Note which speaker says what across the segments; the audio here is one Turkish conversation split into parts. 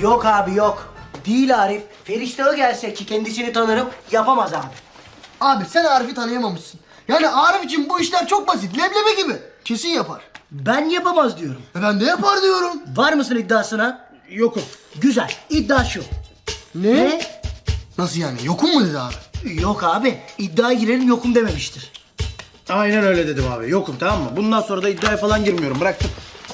Speaker 1: Yok abi yok. Değil Arif. Feriştah'ı gelse ki kendisini tanırım yapamaz abi.
Speaker 2: Abi sen Arif'i tanıyamamışsın. Yani Arif için bu işler çok basit. Leblebi gibi. Kesin yapar.
Speaker 1: Ben yapamaz diyorum.
Speaker 2: Ben de yapar diyorum.
Speaker 1: Var mısın iddiasına?
Speaker 2: Yokum.
Speaker 1: Güzel. İddia şu.
Speaker 2: Ne? Nasıl yani? Yokum mu dedi abi?
Speaker 1: Yok abi. İddiaya girelim yokum dememiştir.
Speaker 3: Aynen öyle dedim abi. Yokum, tamam mı? Bundan sonra da iddiaya falan girmiyorum. Bıraktım.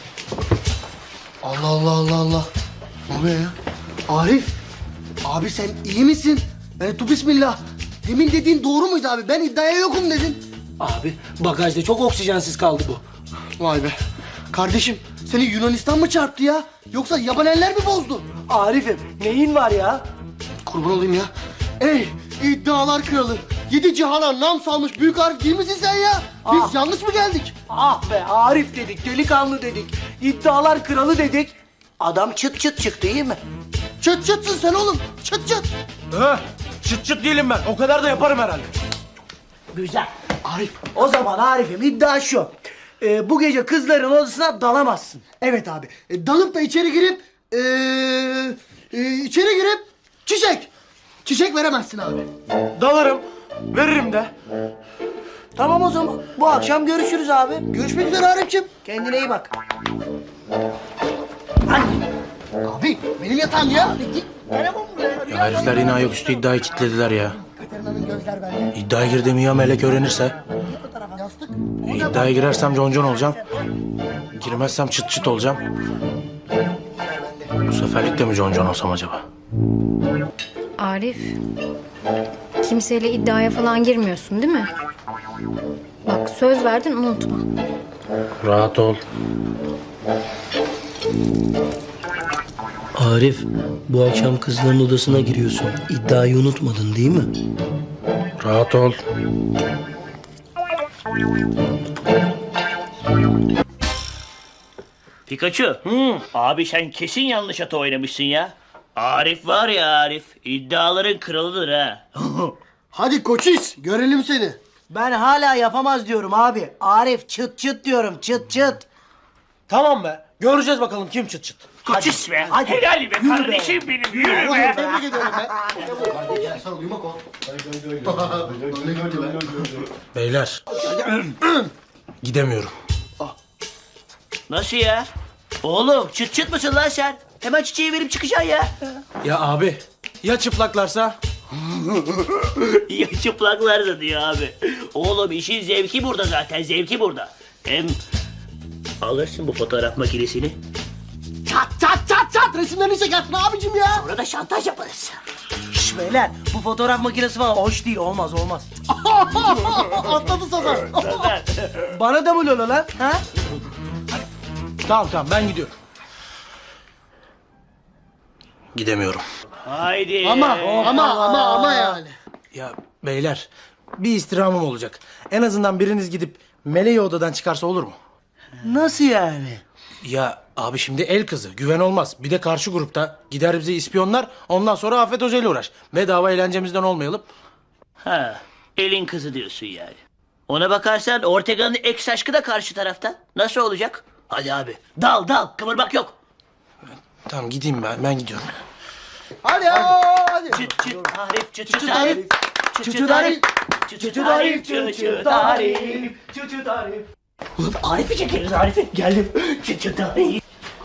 Speaker 2: Allah Allah Allah Allah. Ne oluyor ya? Arif. Abi sen iyi misin? Tu bismillah. Demin dediğin doğru muydu abi? Ben iddiaya yokum dedin.
Speaker 1: Abi bagajda çok oksijensiz kaldı bu.
Speaker 2: Vay be. Kardeşim seni Yunanistan mı çarptı ya? Yoksa yaban eller mi bozdu?
Speaker 1: Arif'im neyin var ya?
Speaker 2: Kurban olayım ya. Ey iddialar kralı. 7 cihana nam salmış büyük Arif değil misin sen ya? Biz yanlış mı geldik?
Speaker 1: Ah be Arif dedik, delikanlı dedik. İddialar kralı dedik. Adam çıt çıt çıktı iyi mi?
Speaker 2: Çıt çıtsın sen oğlum. Çıt çıt.
Speaker 3: Çıt çıt değilim ben. O kadar da yaparım herhalde.
Speaker 1: Güzel. Arif. O zaman Arif'im iddia şu. Bu gece kızların odasına dalamazsın.
Speaker 2: Evet abi. Dalıp da içeri girip çiçek veremezsin abi.
Speaker 3: Dalarım. Veririm de.
Speaker 1: Tamam o zaman. Bu akşam görüşürüz abi.
Speaker 2: Görüşmek üzere Arif'ciğim.
Speaker 1: Kendine iyi bak.
Speaker 2: Abi benim yatağım ya. Git.
Speaker 3: Ya herifler yine ayaküstü iddiayı kilitlediler ya.
Speaker 2: Katerina'nın gözler bende.
Speaker 3: İddiaya girdiğimi ya Melek öğrenirse?
Speaker 2: Yastık.
Speaker 3: İddiaya girersem concon olacağım. Girmezsem çıt çıt olacağım. Bu seferlik de mi concon olsam acaba?
Speaker 4: Arif, kimseyle iddiaya falan girmiyorsun değil mi? Bak söz verdin unutma.
Speaker 3: Rahat ol.
Speaker 5: Arif, bu akşam kızların odasına giriyorsun. İddiayı unutmadın değil mi?
Speaker 3: Rahat ol.
Speaker 6: Pikachu. Abi sen kesin yanlış ata oynamışsın ya. Arif var ya Arif. İddiaların kralıdır ha.
Speaker 2: Hadi koçis görelim seni.
Speaker 1: Ben hala yapamaz diyorum abi. Arif çıt çıt diyorum çıt çıt.
Speaker 3: Tamam be. Göreceğiz bakalım kim çıt çıt.
Speaker 6: Koçis be.
Speaker 1: hadi.
Speaker 6: Helal be
Speaker 1: Yürü be.
Speaker 6: kardeşim benim. Yürü be.
Speaker 2: Tebrik ediyorum be. Hadi gel sana uyumak ol.
Speaker 3: Beyler. Gidemiyorum.
Speaker 6: Nasıl ya? Oğlum çıt çıt mısın lan sen? Hemen çiçeği verip çıkacaksın ya.
Speaker 3: Ya abi. Ya çıplaklarsa?
Speaker 6: Ya çıplaklarsa diyor abi. Oğlum işin zevki burada zaten. Zevki burada. Hem alırsın bu fotoğraf makinesini.
Speaker 2: Çat resimlerini çekersin abicim ya.
Speaker 6: Sonra da şantaj yaparız.
Speaker 1: Şş beyler bu fotoğraf makinesi falan hoş değil olmaz.
Speaker 2: Atladı sazan.
Speaker 1: Bana da mı lola lan? Ha?
Speaker 3: Tamam ben gidiyorum.
Speaker 6: Haydi.
Speaker 2: Ama yani.
Speaker 3: Ya beyler bir istirhamım olacak. En azından biriniz gidip Meleği odadan çıkarsa olur mu?
Speaker 1: Nasıl yani?
Speaker 3: Ya abi şimdi el kızı güven olmaz. Bir de karşı grupta gider bizi ispiyonlar. Ondan sonra Afet Hoca ile uğraş. Bedava eğlencemizden olmayalım.
Speaker 6: Ha, elin kızı diyorsun yani. Ona bakarsan Ortega'nın ex aşkı da karşı tarafta. Nasıl olacak? Hadi abi. Dal. Kıvırmak yok.
Speaker 3: Tamam gideyim ben gidiyorum.
Speaker 2: Hadi.
Speaker 6: Çıt çıt tarif, çıt çıt
Speaker 2: tarif.
Speaker 6: tarif. Çıt çıt tarif. Çıt çıt tarif, çıt çıt tarif.
Speaker 1: Çıt çıt Arif.
Speaker 6: Ulan Arif'i çekeriz Arif'i. Geldim. Çıt çıt tarif.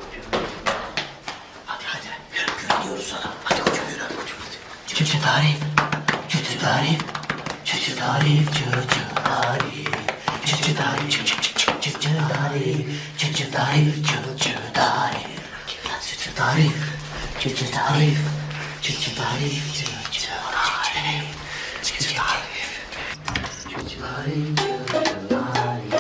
Speaker 6: Hadi. Güveniyoruz sana. Hadi koçum yürü. Çıt çıt tarif. Çıt çıt tarif. Çıt çıt tarif. Çıt çıt tarif. Çıt çıt tarif. Çıt çıt tarif. Çıt çıt tarif. Çıt çıt tarif. Çıt çıt tarif. Çıt çıt tarif. Çıt çıt tarif. Çıt çıt tarif. Çıt çıt tarif. Çıt çıt tarif. Çıt çıt tarif.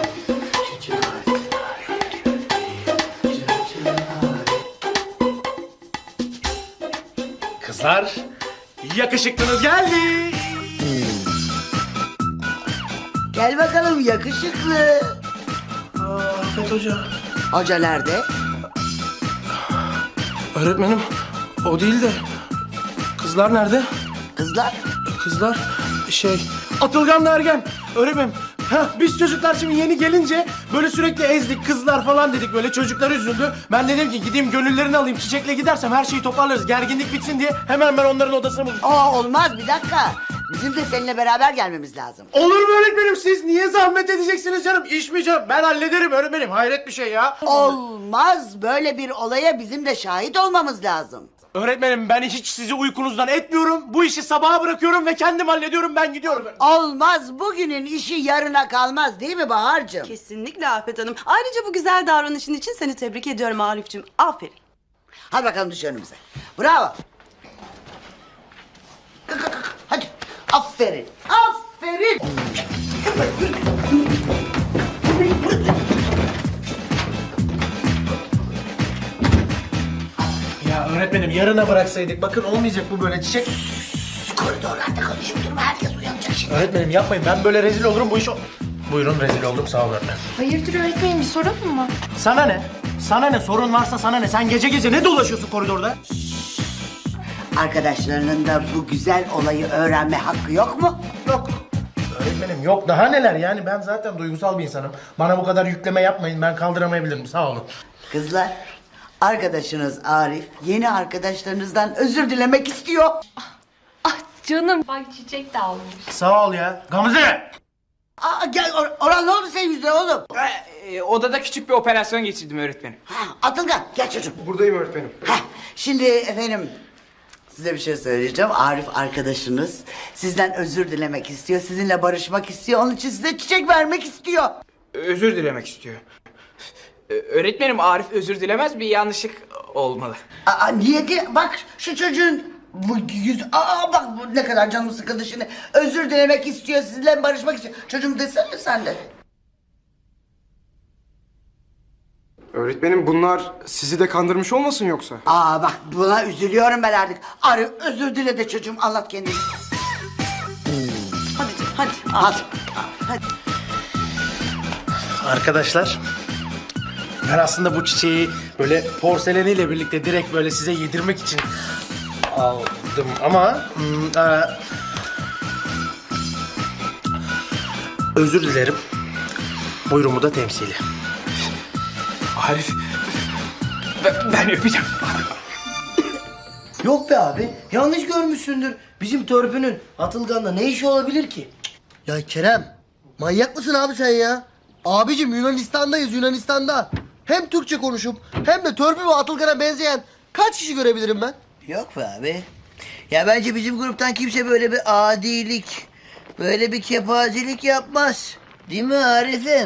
Speaker 3: Kızlar yakışıklınız geldi.
Speaker 1: Gel bakalım yakışıklı.
Speaker 3: Afet Hoca.
Speaker 1: Hoca nerede?
Speaker 3: Öğretmenim o değil de kızlar nerede?
Speaker 1: Kızlar.
Speaker 3: Kızlar Atılgan'la Ergen. Öğretmenim Biz çocuklar şimdi yeni gelince böyle sürekli ezdik, kızlar falan dedik, böyle çocuklar üzüldü. Ben dedim ki gideyim gönüllerini alayım, Çiçek'le gidersem her şeyi toparlarız, gerginlik bitsin diye hemen ben onların odasını buldum.
Speaker 7: Olmaz, bir dakika. Bizim de seninle beraber gelmemiz lazım.
Speaker 3: Olur mu öğretmenim, siz niye zahmet edeceksiniz canım? İş mi canım? Ben hallederim öğretmenim, hayret bir şey ya.
Speaker 7: Olmaz, böyle bir olaya bizim de şahit olmamız lazım.
Speaker 3: Öğretmenim ben hiç sizi uykunuzdan etmiyorum. Bu işi sabaha bırakıyorum ve kendim hallediyorum, ben gidiyorum.
Speaker 7: Olmaz, bugünün işi yarına kalmaz değil mi Bahar'cığım?
Speaker 8: Kesinlikle Afet Hanım. Ayrıca bu güzel davranışın için seni tebrik ediyorum Arif'ciğim. Aferin.
Speaker 7: Hadi bakalım düş önümüze. Bravo. Kalk. Hadi. Aferin. Aferin.
Speaker 3: Ya öğretmenim yarına bıraksaydık, bakın olmayacak bu böyle Çiçek.
Speaker 7: Koridorlarda konuşup durma, herkes uyanacak şimdi.
Speaker 3: Öğretmenim yapmayın, ben böyle rezil olurum bu iş Buyurun, rezil oldum, sağ olun öğretmenim.
Speaker 4: Hayırdır öğretmenim, bir sorun mu var?
Speaker 3: Sana ne? Sana ne? Sorun varsa sana ne? Sen gece gece ne dolaşıyorsun koridorda?
Speaker 7: Arkadaşlarının da bu güzel olayı öğrenme hakkı yok mu?
Speaker 3: Yok. Öğretmenim yok, daha neler yani, ben zaten duygusal bir insanım. Bana bu kadar yükleme yapmayın, ben kaldıramayabilirim, sağ olun.
Speaker 7: Kızlar, arkadaşınız Arif yeni arkadaşlarınızdan özür dilemek istiyor.
Speaker 4: Ah canım. Bak Çiçek de almış.
Speaker 3: Sağ ol ya. Gamze!
Speaker 7: Gel Orhan, ne oldu senin yüzüne oğlum?
Speaker 9: Odada küçük bir operasyon geçirdim öğretmenim.
Speaker 7: Atılgan gel çocuğum.
Speaker 9: Buradayım öğretmenim.
Speaker 7: Şimdi efendim size bir şey söyleyeceğim. Arif arkadaşınız sizden özür dilemek istiyor. Sizinle barışmak istiyor. Onun için size çiçek vermek istiyor.
Speaker 9: Özür dilemek istiyor. Öğretmenim Arif özür dilemez, bir yanlışlık olmalı.
Speaker 7: Niye ki? Bak şu çocuğun bu yüz... bak bu ne kadar canım sıkıldı şimdi. Özür dilemek istiyor. Sizinle barışmak istiyor. Çocuğum desene sen de.
Speaker 10: Öğretmenim bunlar sizi de kandırmış olmasın yoksa?
Speaker 7: Bak buna üzülüyorum ben artık. Arif özür dile de çocuğum, anlat kendini.
Speaker 8: Hadi canım, hadi.
Speaker 7: Hadi.
Speaker 3: Arkadaşlar, ben aslında bu çiçeği böyle porseleniyle birlikte direkt böyle size yedirmek için aldım ama özür dilerim. Buyurumu da temsili.
Speaker 9: Arif, ben öpeceğim.
Speaker 1: Yok be abi, yanlış görmüşsündür. Bizim törpünün Atılgan'la ne işi olabilir ki?
Speaker 2: Ya Kerem, manyak mısın abi sen ya? Abicim Yunanistan'dayız, Yunanistan'da. Hem Türkçe konuşup hem de Törpü ve Atılgan'a benzeyen kaç kişi görebilirim ben?
Speaker 7: Yok be abi. Ya bence bizim gruptan kimse böyle bir adilik, böyle bir kepazelik yapmaz. Değil mi Arif'im?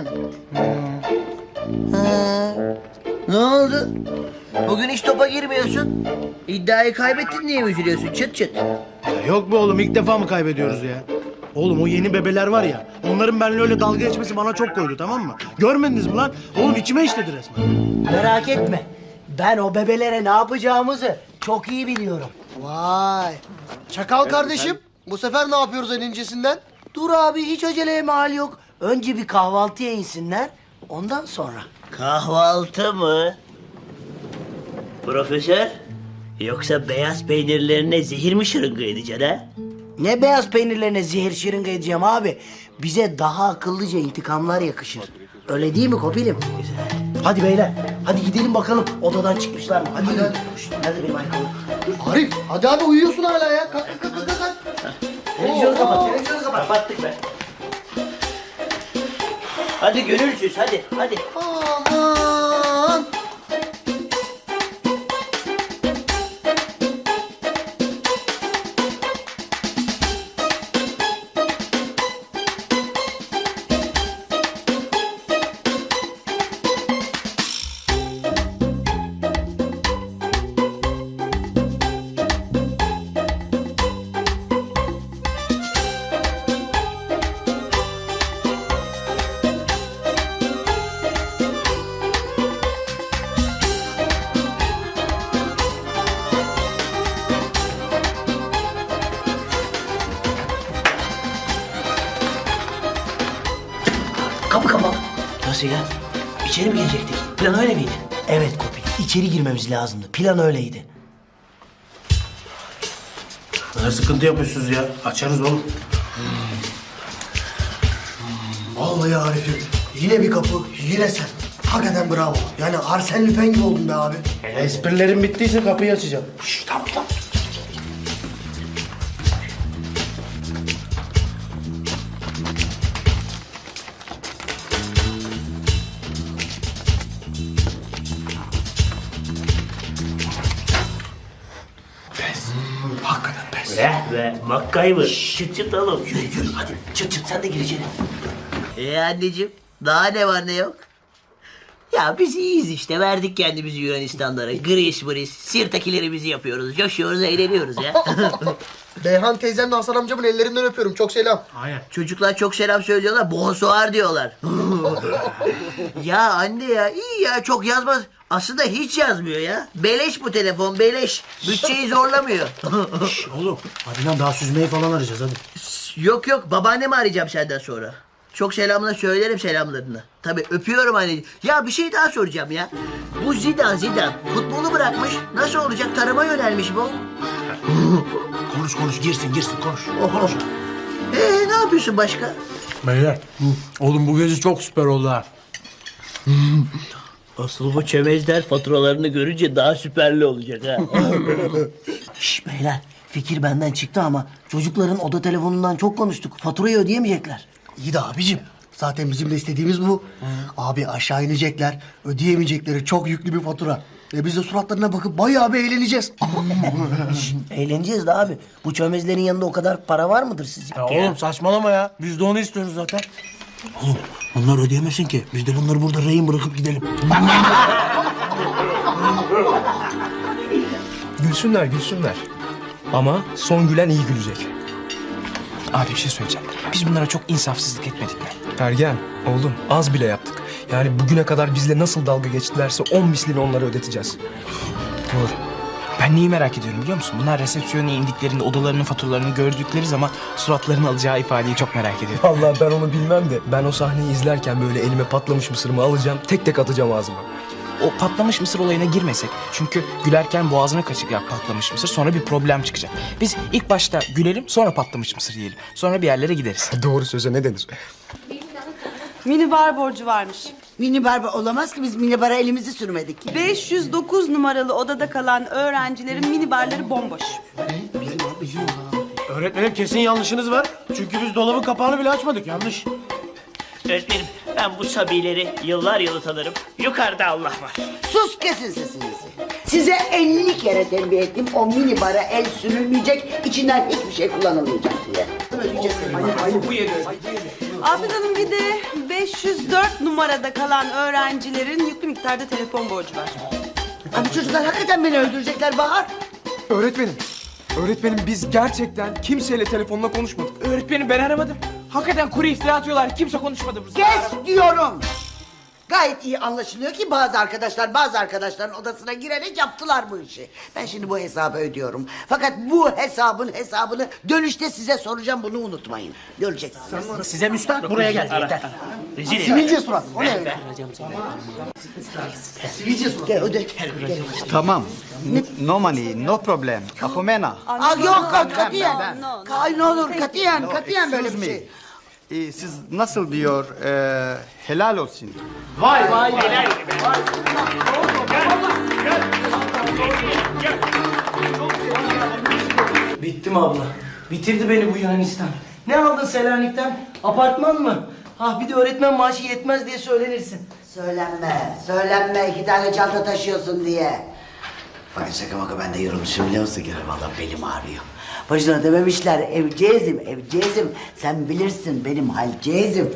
Speaker 7: Ne oldu? Bugün hiç topa girmiyorsun. İddiayı kaybettin diye mi üzülüyorsun çıt çıt?
Speaker 3: Ya yok be oğlum, ilk defa mı kaybediyoruz ya? Oğlum o yeni bebeler var ya, onların benimle öyle dalga geçmesi bana çok koydu, tamam mı? Görmediniz mi lan? Oğlum içime işledi resmen.
Speaker 1: Merak etme, ben o bebelere ne yapacağımızı çok iyi biliyorum.
Speaker 2: Vay. Çakal kardeşim, bu sefer ne yapıyoruz en incesinden?
Speaker 1: Dur abi, hiç aceleye mal yok. Önce bir kahvaltıya insinler, ondan sonra.
Speaker 6: Kahvaltı mı? Profesör, yoksa beyaz peynirlerine zehir mi şırınga edeceksin ha?
Speaker 1: Ne beyaz peynirlerine zehir şırınga edeceğim abi. Bize daha akıllıca intikamlar yakışır. Öyle değil mi Kopilim? Hadi beyler, hadi gidelim bakalım odadan çıkmışlar mı? Hadi hadi. Hadi benim ayakkabım.
Speaker 2: Arif, hadi abi uyuyorsun hala ya. Kalk.
Speaker 1: Televizyonu kapat, televizyonu kapat.
Speaker 6: Kapattık be. Hadi gönülsüz, hadi.
Speaker 2: Aman.
Speaker 6: Kapı kapalı. Nasıl ya? İçeri mi girecektik? Plan öyle miydi?
Speaker 1: Evet Kopil, içeri girmemiz lazımdı. Plan öyleydi.
Speaker 3: Ne sıkıntı yapıyorsunuz ya? Açarız oğlum.
Speaker 2: Vallahi Arif'im. Yine bir kapı, yine sen. Hakikaten bravo. Yani Arsène Lupin gibi oldun be abi.
Speaker 3: Esprilerim bittiyse kapıyı açacağım.
Speaker 2: Tamam.
Speaker 3: Hakikaten pes.
Speaker 5: Ve MacGyver. Çıt çıt oğlum. Yürü hadi. Çıt çıt sen de gir içeri.
Speaker 6: Anneciğim daha ne var ne yok? Ya biz iyiyiz işte, verdik kendimizi Yunanistanlara. Gris bris, sirtakilerimizi yapıyoruz, coşuyoruz, eğleniyoruz ya.
Speaker 2: Beyhan teyzemle Hasan amcamın ellerinden öpüyorum. Çok selam.
Speaker 3: Aynen.
Speaker 6: Çocuklar çok selam söylüyorlar, bonsoir diyorlar. Ya anne ya, iyi ya, çok yazmaz. Aslında hiç yazmıyor ya. Beleş bu telefon, beleş. Bütçeyi zorlamıyor.
Speaker 3: Oğlum hadi lan daha süzmeyi falan arayacağız hadi.
Speaker 6: Yok yok, babaannemi arayacağım senden sonra. Çok selamla söylerim selamlarını. Tabii öpüyorum anneciğim. Ya bir şey daha soracağım ya. Bu Zidane futbolu bırakmış. Nasıl olacak? Tarıma yönelmiş bu.
Speaker 3: Konuş girsin konuş.
Speaker 6: Oho. Ne yapıyorsun başka?
Speaker 3: Beyler. Oğlum bu gezi çok süper oldu ha.
Speaker 6: Asıl bu çömezler faturalarını görünce daha süperli olacak ha.
Speaker 1: Şş beyler, fikir benden çıktı ama çocukların oda telefonundan çok konuştuk. Faturayı ödeyemeyecekler.
Speaker 2: İyi de abicim. Zaten bizim de istediğimiz bu. Abi aşağı inecekler. Ödeyemeyecekleri çok yüklü bir fatura. Ve biz de suratlarına bakıp bayağı bir eğleneceğiz.
Speaker 1: Eğleneceğiz de abi. Bu çömezlerin yanında o kadar para var mıdır sizce?
Speaker 3: Ya oğlum saçmalama ya. Biz de onu istiyoruz zaten.
Speaker 1: Oğlum onlar ödeyemesin ki. Biz de bunları burada rehin bırakıp gidelim.
Speaker 10: Gülsünler. Ama son gülen iyi gülecek.
Speaker 9: Abi bir şey söyleyeceğim. Biz bunlara çok insafsızlık etmedik mi?
Speaker 10: Ergen, oğlum az bile yaptık. Yani bugüne kadar bizle nasıl dalga geçtilerse 10 mislini onlara ödeteceğiz.
Speaker 9: Doğru. Ben neyi merak ediyorum biliyor musun? Bunlar resepsiyona indiklerinde odalarının faturalarını gördükleri zaman suratlarının alacağı ifadeyi çok merak ediyorum.
Speaker 10: Vallahi ben onu bilmem de ben o sahneyi izlerken böyle elime patlamış mısırımı alacağım, tek tek atacağım ağzıma.
Speaker 9: O patlamış mısır olayına girmesek. Çünkü gülerken boğazına kaçacak patlamış mısır. Sonra bir problem çıkacak. Biz ilk başta gülelim, sonra patlamış mısır yiyelim. Sonra bir yerlere gideriz.
Speaker 10: Doğru söze ne denir?
Speaker 8: Minibar borcu varmış.
Speaker 7: Minibar olamaz ki, biz minibara elimizi sürmedik.
Speaker 8: 509 numaralı odada kalan öğrencilerin minibarları bomboş.
Speaker 3: Öğretmenim kesin yanlışınız var. Çünkü biz dolabın kapağını bile açmadık. Yanlış.
Speaker 6: Öğretmenim, ben bu sabileri yıllar yılı tanırım. Yukarıda Allah var.
Speaker 7: Sus, kesin sesinizi. Size 50 kere tembih ettim, o minibara el sürülmeyecek, içinden hiçbir şey kullanılmayacak diye.
Speaker 8: Afet Hanım, bir de 504 numarada kalan öğrencilerin yüklü miktarda telefon borcu var.
Speaker 7: Abi çocuklar hakikaten beni öldürecekler Bahar.
Speaker 10: Öğretmenim biz gerçekten kimseyle telefonla konuşmadık.
Speaker 9: Öğretmenim ben aramadım. Hakikaten kuru iftira atıyorlar. Kimse konuşmadı burada.
Speaker 7: Kes diyorum. Gayet iyi anlaşılıyor ki bazı arkadaşların odasına girerek yaptılar bu işi. Ben şimdi bu hesabı ödüyorum. Fakat bu hesabın hesabını dönüşte size soracağım, bunu unutmayın. Göreceksiniz.
Speaker 1: Size müstahak buraya geldi yeter.
Speaker 2: Sivilce surat. O ne öyle? Sivilce surat.
Speaker 7: Gel öde.
Speaker 11: Tamam. No money, no problem. Apomena.
Speaker 7: Yok katiyen.
Speaker 8: No, no.
Speaker 7: Ne olur katiyen böyle bir şey.
Speaker 11: Siz nasıl diyor? Helal olsun.
Speaker 1: Bitti mi abla? Bitirdi beni bu Yunanistan. Ne aldın Selanik'ten? Apartman mı? Ah bir de öğretmen maaşı yetmez diye söylenirsin.
Speaker 7: Söylenme 2 tane çanta taşıyorsun diye. Bak şaka maka ben de yorulmuşum biliyor musun? Gene valla belim ağrıyor. Boşuna dememişler evcezim. Sen bilirsin benim halcezim.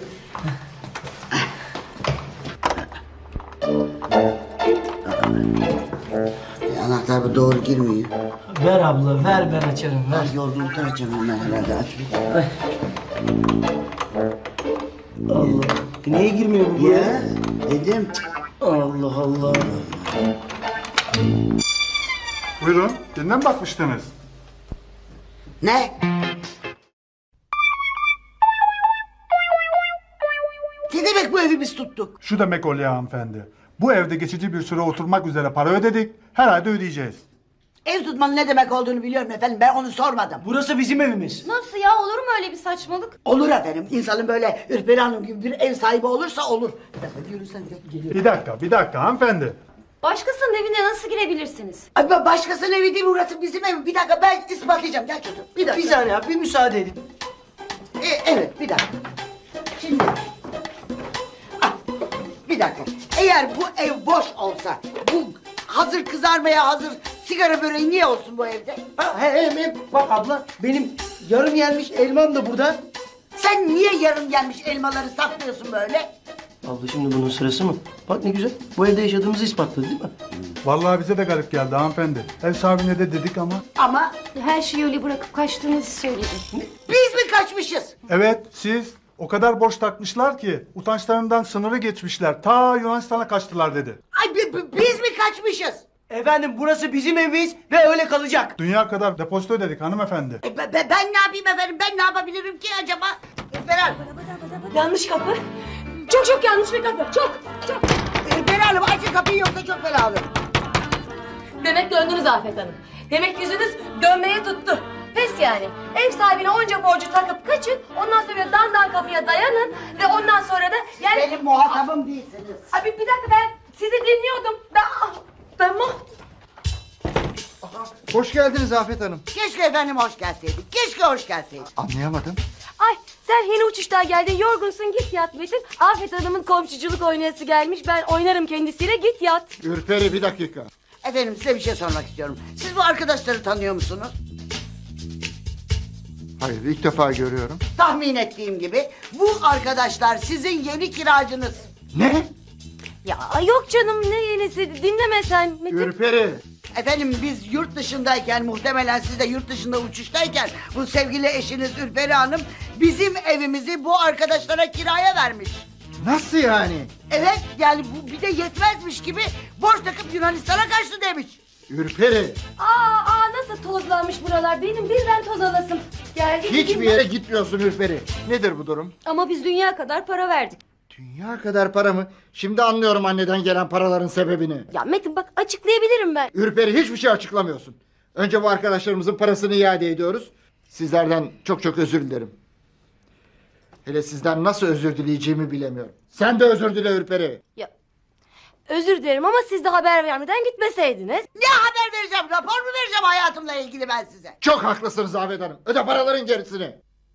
Speaker 7: Anahtar bu doğru girmiyor.
Speaker 1: Ver abla ver ben açarım ver.
Speaker 7: Yorgunluktan açacağım hemen herhalde aç.
Speaker 1: Allah. Niye girmiyor bu buraya?
Speaker 7: Ya dedim.
Speaker 1: Allah Allah.
Speaker 12: Buyurun, birine mi bakmıştınız?
Speaker 7: Ne? Ne demek bu evi biz tuttuk?
Speaker 12: Şu demek oluyor hanımefendi. Bu evde geçici bir süre oturmak üzere para ödedik, her ayda ödeyeceğiz.
Speaker 7: Ev tutmanın ne demek olduğunu biliyorum efendim. Ben onu sormadım.
Speaker 1: Burası bizim evimiz.
Speaker 4: Nasıl ya, olur mu öyle bir saçmalık?
Speaker 7: Olur efendim. İnsanın böyle Ürperi Hanım gibi bir ev sahibi olursa olur. Bir dakika yürüsen geliyor.
Speaker 12: Bir dakika hanımefendi.
Speaker 4: Başkasının evine nasıl girebilirsiniz?
Speaker 7: Ay, başkasının evi değil, burası bizim ev. Bir dakika ben ispatlayacağım. Gel çocuğum. Bir dakika.
Speaker 1: Bir saniye abi, bir müsaade edin.
Speaker 7: Evet bir dakika. Şimdi. Ah, bir dakika. Eğer bu ev boş olsa, bu hazır kızarmaya hazır sigara böreği niye olsun bu evde?
Speaker 1: Bak abla, benim yarım yenmiş elmam da burada.
Speaker 7: Sen niye yarım gelmiş elmaları saklıyorsun böyle?
Speaker 1: Abla şimdi bunun sırası mı? Bak ne güzel. Bu evde yaşadığımızı ispatladı değil mi?
Speaker 12: Vallahi bize de garip geldi hanımefendi. Ev sahibine de dedik ama.
Speaker 7: Ama
Speaker 4: Her şeyi öyle bırakıp kaçtığınızı söyledi.
Speaker 7: biz mi kaçmışız?
Speaker 12: Evet siz o kadar boş takmışlar ki utançlarından sınırı geçmişler. Ta Yunanistan'a kaçtılar dedi.
Speaker 7: Ay biz mi kaçmışız?
Speaker 1: Efendim burası bizim evimiz ve öyle kalacak.
Speaker 12: Dünya kadar depozito ödedik hanımefendi.
Speaker 7: Ben ne yapayım efendim? Ben ne yapabilirim ki acaba? Ferhat.
Speaker 4: Yanlış kapı. Çok yanlış bir kapı. Çok.
Speaker 7: Ferhat Hanım açın kapıyı yoksa çok fena olur.
Speaker 13: Demek döndünüz Afet Hanım. Demek yüzünüz dönmeye tuttu. Pes yani. Ev sahibine onca borcu takıp kaçın. Ondan sonra dandan kapıya dayanın. Ve ondan sonra da yani...
Speaker 7: Benim muhatabım değilsiniz.
Speaker 13: Abi bir dakika, ben sizi dinliyordum. Ben
Speaker 11: Hoş geldiniz Afet Hanım.
Speaker 7: Keşke efendim hoş gelseydik. Keşke hoş gelseydik.
Speaker 11: Anlayamadım.
Speaker 13: Ay sen yeni uçuştan geldin, yorgunsun, git yat Metin. Afet Hanım'ın komşuculuk oynayası gelmiş. Ben oynarım kendisiyle, git yat.
Speaker 11: Ürperi bir dakika.
Speaker 7: Efendim size bir şey sormak istiyorum. Siz bu arkadaşları tanıyor musunuz?
Speaker 11: Hayır, ilk defa görüyorum.
Speaker 7: Tahmin ettiğim gibi bu arkadaşlar sizin yeni kiracınız.
Speaker 11: Ne?
Speaker 13: Ya yok canım, ne yenisi, dinleme sen Metin.
Speaker 11: Ürperi.
Speaker 7: Efendim biz yurt dışındayken, muhtemelen siz de yurt dışında uçuştayken bu sevgili eşiniz Ürperi Hanım bizim evimizi bu arkadaşlara kiraya vermiş.
Speaker 11: Nasıl yani?
Speaker 7: Evet yani bu bir de yetmezmiş gibi borç takıp Yunanistan'a kaçtı demiş.
Speaker 11: Ürperi.
Speaker 13: Nasıl tozlanmış buralar, benim birden toz alasım geldi.
Speaker 11: Hiçbir yere gitmiyorsun Ürperi. Nedir bu durum?
Speaker 13: Ama biz dünya kadar para verdik.
Speaker 11: Dünya kadar para mı? Şimdi anlıyorum anneden gelen paraların sebebini.
Speaker 13: Ya Metin bak, açıklayabilirim ben.
Speaker 11: Ürperi, hiçbir şey açıklamıyorsun. Önce bu arkadaşlarımızın parasını iade ediyoruz. Sizlerden çok özür dilerim. Hele sizden nasıl özür dileyeceğimi bilemiyorum. Sen de özür dile Ürperi.
Speaker 13: Ya özür dilerim ama siz de haber vermeden gitmeseydiniz.
Speaker 7: Ne haber vereceğim, rapor mu vereceğim hayatımla ilgili ben size?
Speaker 11: Çok haklısınız Afet Hanım. Öde paraların gerisini.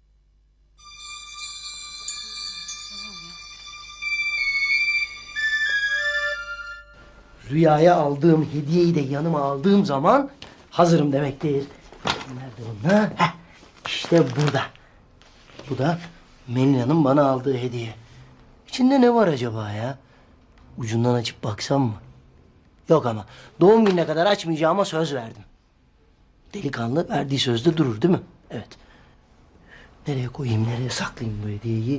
Speaker 1: Rüyaya aldığım hediyeyi de yanıma aldığım zaman hazırım demektir. Nerede bunlar? Heh, işte burada. Bu da Melina'nın bana aldığı hediye. İçinde ne var acaba ya? Ucundan açıp baksam mı? Yok ama doğum gününe kadar açmayacağıma söz verdim. Delikanlı verdiği sözde durur değil mi? Evet. Nereye koyayım, nereye saklayayım bu hediyeyi?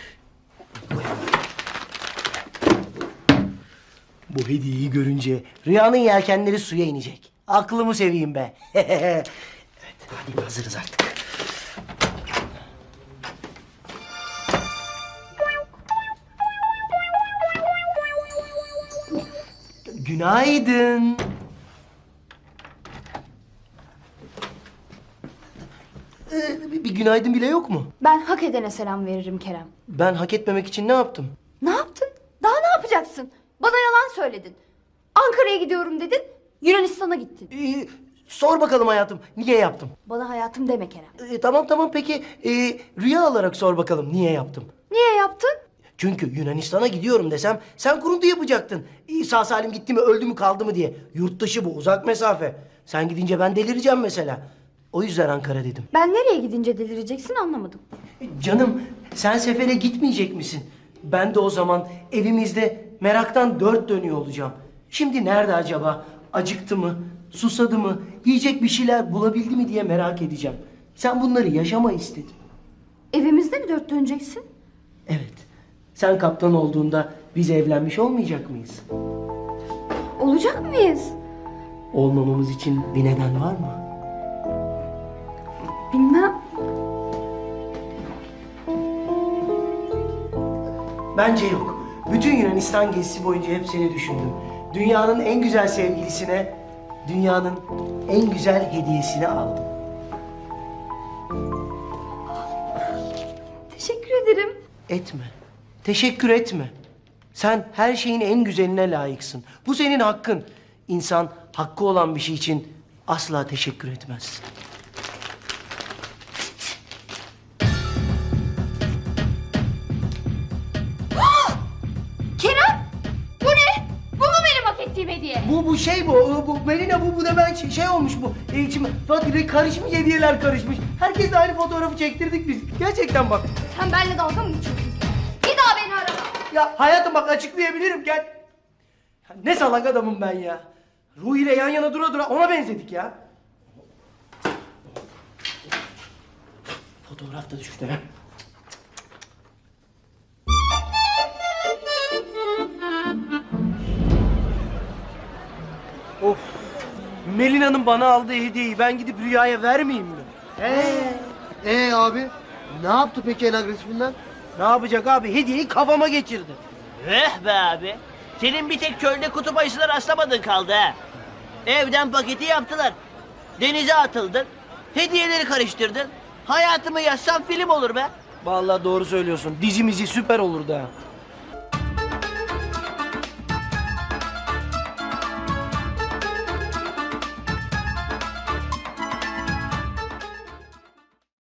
Speaker 1: Bu hediyeyi görünce rüyanın yelkenleri suya inecek. Aklımı seveyim be. Evet, hadi hazırız artık. Günaydın. Bir günaydın bile yok mu?
Speaker 4: Ben hak edene selam veririm Kerem.
Speaker 1: Ben hak etmemek için ne yaptım?
Speaker 4: Ne yaptın? Daha ne yapacaksın? Bana yalan söyledin. Ankara'ya gidiyorum dedin. Yunanistan'a gittin.
Speaker 1: Sor bakalım hayatım, niye yaptım?
Speaker 4: Bana hayatım deme Kerem.
Speaker 1: Tamam peki rüya alarak sor bakalım niye yaptım?
Speaker 4: Niye yaptın?
Speaker 1: Çünkü Yunanistan'a gidiyorum desem sen kuruntu yapacaktın. Sağ salim gitti mi, öldü mü, kaldı mı diye. Yurt dışı bu, uzak mesafe. Sen gidince ben delireceğim mesela. O yüzden Ankara dedim.
Speaker 4: Ben nereye gidince delireceksin anlamadım.
Speaker 1: Canım sen sefere gitmeyecek misin? Ben de o zaman evimizde meraktan dört dönüyor olacağım. Şimdi nerede acaba? Acıktı mı? Susadı mı? Yiyecek bir şeyler bulabildi mi diye merak edeceğim. Sen bunları yaşama istedin.
Speaker 4: Evimizde mi dört döneceksin?
Speaker 1: Evet. Sen kaptan olduğunda biz evlenmiş olmayacak mıyız?
Speaker 4: Olacak mıyız?
Speaker 1: Olmamamız için bir neden var mı?
Speaker 4: Bilmem.
Speaker 1: Bence yok. Bütün Yunanistan gezisi boyunca hep seni düşündüm. Dünyanın en güzel sevgilisine dünyanın en güzel hediyesini aldım.
Speaker 4: Teşekkür ederim.
Speaker 1: Etme. Teşekkür etme. Sen her şeyin en güzeline layıksın. Bu senin hakkın. İnsan hakkı olan bir şey için asla teşekkür etmez.
Speaker 4: Kerem! Bu ne? Bu mu benim hak ettiğim hediye?
Speaker 1: Bu Melina bu da ben şey olmuş bu. İçime Fatih'le karışmış, hediyeler karışmış. Herkesle aynı fotoğrafı çektirdik biz. Gerçekten bak.
Speaker 4: Sen benimle dalga mı geçiyorsun? Bir daha beni arama.
Speaker 1: Ya hayatım bak açıklayabilirim gel. Ya ne salak adamım ben ya. Ruhi ile yan yana dura dura ona benzedik ya. Fotoğraf da düştü ha. Of. Melina'nın bana aldığı hediyeyi ben gidip Rüya'ya vermeyeyim mi?
Speaker 2: Abi ne yaptı peki en agresifinden?
Speaker 1: Ne yapacak abi? Hediyeyi kafama geçirdi.
Speaker 6: Be abi. Senin bir tek çölde kutup ayısına rastlamadın kaldı ha. Evden paketi yaptılar. Denize atıldın. Hediyeleri karıştırdın. Hayatımı yazsam film olur be.
Speaker 1: Vallahi doğru söylüyorsun. Dizimizi süper olurdu ha.